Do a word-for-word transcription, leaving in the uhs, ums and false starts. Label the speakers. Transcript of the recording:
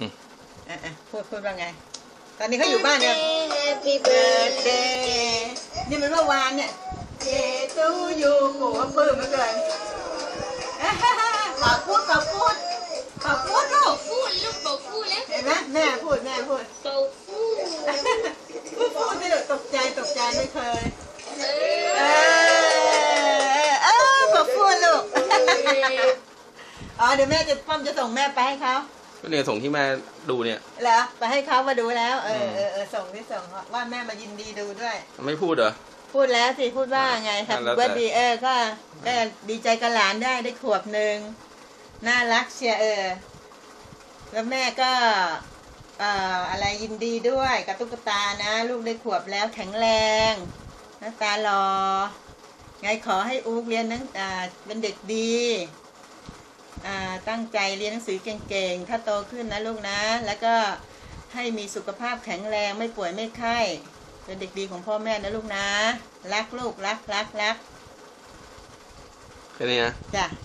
Speaker 1: อ่ะอ่ะพูดพูดว่าไงตอนนี้เขาอยู่บ้านเนี่ย Happy birthday นี่มันเมื่อวานเนี่ย Day to you โหปลื้มเหลือเกินขอพูดขอพูดขอพูดลูก
Speaker 2: พูดลูกบอกพูดแล้ว
Speaker 1: เห็นไหมแม่พูดแม่พูด
Speaker 2: บอกพูด
Speaker 1: พูดพูดที่ตกใจตกใจไม่เคยเออเออบอกพูดลูกอ๋อเดี๋ยวแม่จะป้อมจะส่งแม่ไปให้เขา
Speaker 3: ก็เนี่ยส่งที่แม่ดูเนี่ย
Speaker 1: เหรอไปให้เขามาดูแล้วเออเออเออส่งที่ส่งว่าแม่มายินดีดูด้วย
Speaker 3: ไม่พูดเหรอ
Speaker 1: พูดแล้วสิพูดว่าไงครับเบิร์ดดีเออก็ก็ดีใจกับหลานได้ได้ขวบหนึ่งน่ารักเชียเออแล้วแม่ก็เอ่ออะไรยินดีด้วยกับตุ๊กตานะลูกได้ขวบแล้วแข็งแรงหน้าตาหล่อไงขอให้อู๊กเรียนนังอ่าเป็นเด็กดีอ่าตั้งใจเรียนหนังสือเก่งๆถ้าโตขึ้นนะลูกนะแล้วก็ให้มีสุขภาพแข็งแรงไม่ป่วยไม่ไข้เป็นเด็กดีของพ่อแม่นะลูกนะรักลูกรักรักรัก
Speaker 3: แค่นี้นะ
Speaker 1: จ้ะ